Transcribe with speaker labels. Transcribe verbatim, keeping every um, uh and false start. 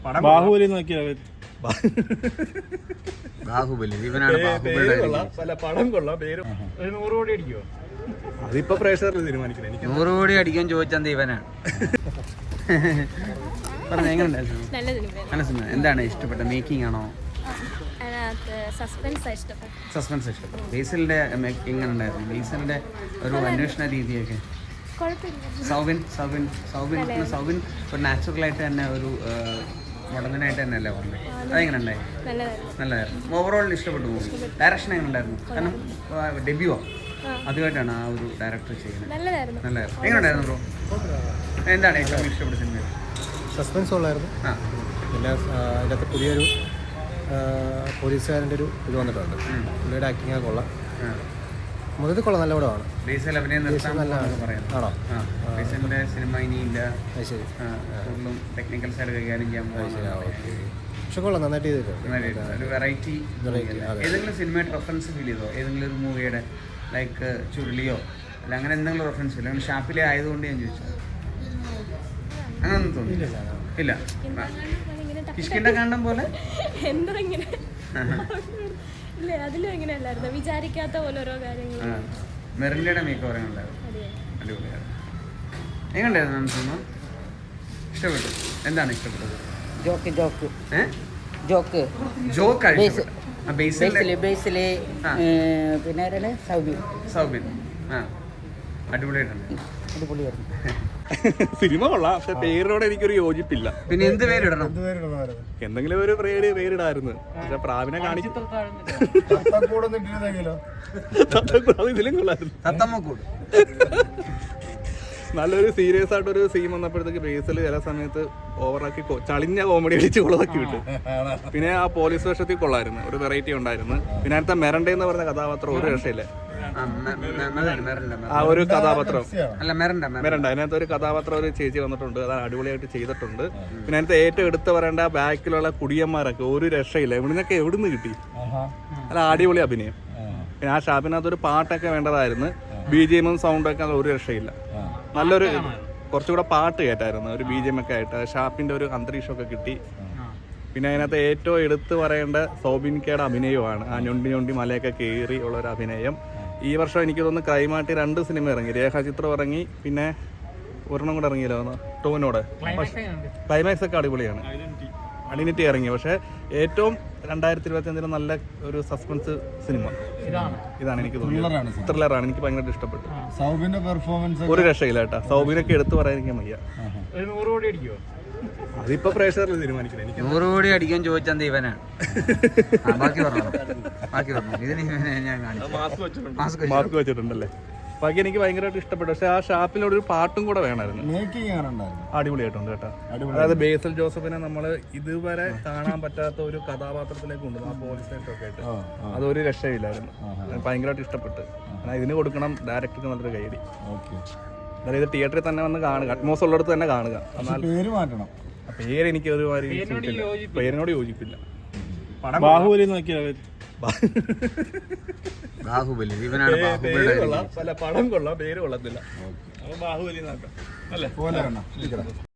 Speaker 1: ബാഹുബലി നോക്കിയാ
Speaker 2: ബാഹുബലി ഇവനാണ്
Speaker 1: പടം കൊള്ളാം. പേര് നൂറ് കോടി അടിക്കുമോ? അതിപ്പോ പ്രേക്ഷകരിൽ തീരുമാനിക്കണം. എനിക്ക്
Speaker 2: നൂറ് കോടി അടിക്കാൻ ചോദിച്ചത് ഇവനാണ്. പറഞ്ഞ എങ്ങനെയുണ്ടായിരുന്നു? നല്ല സിനിമ. എന്താണ് ഇഷ്ടപ്പെട്ട? മേക്കിംഗ് ആണോ? സസ്പെൻസ് ഇഷ്ടപ്പെട്ടു. ബേസിലിന്റെ എങ്ങനെ ഉണ്ടായിരുന്നു? ബേസിലിന്റെ ഒരു അന്വേഷണ രീതിയൊക്കെ സൗബിൻ സൗബിൻ സൗബിൻ സൗബിൻ ഒരു നാച്ചുറലായിട്ട് തന്നെ ഒരു മോഡലനായിട്ട് തന്നെ അല്ലേ പറഞ്ഞത്? അതെങ്ങനെ ഉണ്ടായി? നല്ലതായിരുന്നു. ഓവറോൾ ഇഷ്ടപ്പെട്ടു പോകും. ഡയറക്ഷൻ എങ്ങനെ ഉണ്ടായിരുന്നു? കാരണം ഡെബ്യൂവാ, അതുമായിട്ടാണ് ആ ഒരു ഡയറക്ടർ ചെയ്യുന്നത്. നല്ലതായിരുന്നു. എങ്ങനെ ഉണ്ടായിരുന്നു ബ്രോ? എന്താണ് ഏറ്റവും ഇഷ്ടപ്പെട്ട സിനിമ?
Speaker 3: സസ്പെൻസ് ഉള്ളായിരുന്നു. ആ പിന്നെ അതിനകത്ത് പുതിയൊരു പോലീസുകാരൻ്റെ ഒരു ഇത് വന്നിട്ടുണ്ട്. പുള്ളിയുടെ ആക്ടിങ് ഒക്കെ കൊള്ളാം. മൊത്തത്തിൽ കൊള്ളാം. നല്ല പടമാണ്.
Speaker 2: ബേസിൽ അഭിനയം
Speaker 3: ആണോ?
Speaker 2: ബേസിലിന്റെ സിനിമ ഇനിയില്ല. ശരി. ടെക്നിക്കൽ സൈഡ് കൈകാര്യം ചെയ്യാൻ
Speaker 3: പക്ഷെ കൊള്ളാം. നന്നായിട്ട് ചെയ്തിട്ടുണ്ട്.
Speaker 2: ഒരു വെറൈറ്റി. ഏതെങ്കിലും സിനിമയുടെ റെഫറൻസ് ഫീൽ ചെയ്തോ? ഏതെങ്കിലും ഒരു മൂവിയുടെ ലൈക്ക് ചുരുളിയോ അല്ല അങ്ങനെ എന്തെങ്കിലും റെഫറൻസ് ഇല്ല? അങ്ങനെ ഷാപ്പിലെ ആയതുകൊണ്ട് ഞാൻ ചോദിച്ചു. അങ്ങനൊന്നും തോന്നിയില്ല. ഇല്ല. കിഷ്കിന്റെ കാണ്ടം പോലെ
Speaker 4: വിചാരിക്കാത്ത പോലെ ഓരോ കാര്യങ്ങൾ.
Speaker 2: മെറിൻഡയുടെ മേക്ക് പറയാനുണ്ടായിരുന്നു. അടിപൊളിയാണ്. എങ്ങനെയുണ്ടായിരുന്നു സിനിമ? ഇഷ്ടപ്പെട്ടു. എന്താണ് ഇഷ്ടപ്പെട്ടത്?
Speaker 5: ജോക്ക് ജോക്ക് ജോക്ക്
Speaker 2: ജോക്ക്
Speaker 5: പിന്നെ സൗബിൻ
Speaker 2: സൗബിൻ ആ അടിപൊളിയായിട്ടുണ്ട്.
Speaker 5: അടിപൊളിയായിരുന്നു.
Speaker 1: സിനിമ കൊള്ളാം. പക്ഷെ പേരിനോട് എനിക്കൊരു യോജിപ്പില്ല.
Speaker 2: പിന്നെ എന്ത് പേരിടണം?
Speaker 1: എന്തെങ്കിലും ഒരു പേര് പേരിടായിരുന്നു. പക്ഷെ പ്രാവിനെ കാണിച്ചു ഇതിലും കൊള്ളായിരുന്നു. നല്ലൊരു സീരിയസ് ആയിട്ടൊരു സീൻ വന്നപ്പോഴത്തേക്ക് ബേസിൽ ചില സമയത്ത് ഓവറാക്കി ചളിഞ്ഞ കോമഡി അടിച്ച് കൊള്ളാക്കി വിട്ടു. പിന്നെ ആ പോലീസ് വേഷത്തിൽ കൊള്ളായിരുന്നു. ഒരു വെറൈറ്റി ഉണ്ടായിരുന്നു. പിന്നെ അടുത്ത മെറണ്ട എന്ന് പറഞ്ഞ കഥാപാത്രം ഒരു രക്ഷയില്ല. ആ ഒരു കഥാപാത്രം മെറണ്ട അതിനകത്ത് ഒരു കഥാപാത്രം ഒരു ചേച്ചി വന്നിട്ടുണ്ട്. അത് അടിപൊളിയായിട്ട് ചെയ്തിട്ടുണ്ട്. പിന്നെ അതിനകത്ത് ഏറ്റവും എടുത്ത് പറയേണ്ട ബാക്കിലുള്ള കുടിയന്മാരൊക്കെ ഒരു രക്ഷയില്ല. ഇവിടുന്നൊക്കെ എവിടുന്ന് കിട്ടി? അല്ല അടിപൊളി അഭിനയം. പിന്നെ ആ ഷാപ്പിനകത്ത് ഒരു പാട്ടൊക്കെ വേണ്ടതായിരുന്നു. ബി ജി എമ്മും സൗണ്ടൊക്കെ ഒരു രക്ഷയില്ല. നല്ലൊരു കുറച്ചുകൂടെ പാട്ട് കേട്ടായിരുന്നു. ഒരു ബി ജി എം ഒക്കെ ആയിട്ട് ഷാപ്പിന്റെ ഒരു അന്തരീക്ഷമൊക്കെ കിട്ടി. പിന്നെ അതിനകത്ത് ഏറ്റവും എടുത്തു പറയേണ്ട സൗബിൻകയുടെ അഭിനയമാണ്. ആ ഞൊണ്ടി ഞൊണ്ടി മലയൊക്കെ കയറി ഉള്ള ഒരു അഭിനയം. ഈ വർഷം എനിക്ക് തോന്നുന്നു ക്രൈമായിട്ട് രണ്ട് സിനിമ ഇറങ്ങി. രേഖാചിത്രം ഇറങ്ങി, പിന്നെ ഒരെണ്ണം കൂടെ ഇറങ്ങിയല്ലോ ടോവിനോട്. ക്ലൈമാക്സ് ഒക്കെ അടിപൊളിയാണ്. ഐഡന്റിറ്റി ഇറങ്ങി. പക്ഷെ ഏറ്റവും രണ്ടായിരത്തി ഇരുപത്തി അഞ്ചിലെ നല്ല ഒരു സസ്പെൻസ് സിനിമ ഇതാണ് എനിക്ക് തോന്നുന്നത്. ത്രില്ലറാണ്. എനിക്ക് ഭയങ്കരമായിട്ട് ഇഷ്ടപ്പെട്ടു.
Speaker 3: സൗബിന്റെ പെർഫോമൻസ്
Speaker 1: ഒരു രക്ഷയില്ല കേട്ടാ. സൗബിനൊക്കെ എടുത്തു പറയാൻ വയ്യ. അതിപ്പോ പ്രേക്ഷകരിൽ തീരുമാനിക്കണം. എനിക്ക്
Speaker 2: നൂറ് കോടി അടിക്കാൻ ചോദിച്ചത് ഇവനാണ്. ബാക്കി പറഞ്ഞു ബാക്കി പറഞ്ഞു ഇതിന് ഞാൻ
Speaker 1: മാസ്ക് വെച്ചിട്ടുണ്ടല്ലേ. ബാക്കി എനിക്ക് ഭയങ്കരമായിട്ട് ഇഷ്ടപ്പെട്ടു. പക്ഷെ ആ ഷാപ്പിലൊരു പാട്ടും കൂടെ വേണമായിരുന്നു. അടിപൊളിയായിട്ടുണ്ട് കേട്ടോ. അതായത് ബേസിൽ ജോസഫിനെ നമ്മൾ ഇതുവരെ കാണാൻ പറ്റാത്ത ഒരു കഥാപാത്രത്തിലേക്ക് കൊണ്ടുവന്നു. ആ പോലീസ് സ്റ്റേഷനൊക്കെ ആയിട്ട് അതൊരു രക്ഷയില്ലായിരുന്നു. ഭയങ്കരമായിട്ട് ഇഷ്ടപ്പെട്ടു. ഇതിന് കൊടുക്കണം ഡയറക്ടർക്ക് നല്ലൊരു കൈയടി. അതായത് തിയേറ്ററിൽ തന്നെ വന്ന് കാണുക. അറ്റ്മോസ് ഉള്ളിടത്ത് തന്നെ കാണുക. എന്നാൽ പേര് എനിക്ക് ഒരുമാതിരി പേരിനോട് യോജിപ്പില്ല. ബാഹുബലി നോക്കിയാ
Speaker 2: ബാഹുബലി ഇവനാണ്.
Speaker 1: പടം കൊള്ളാം. പേര് കൊള്ളത്തില്ല. അപ്പൊ ബാഹുബലി നോക്കാം അല്ലേ?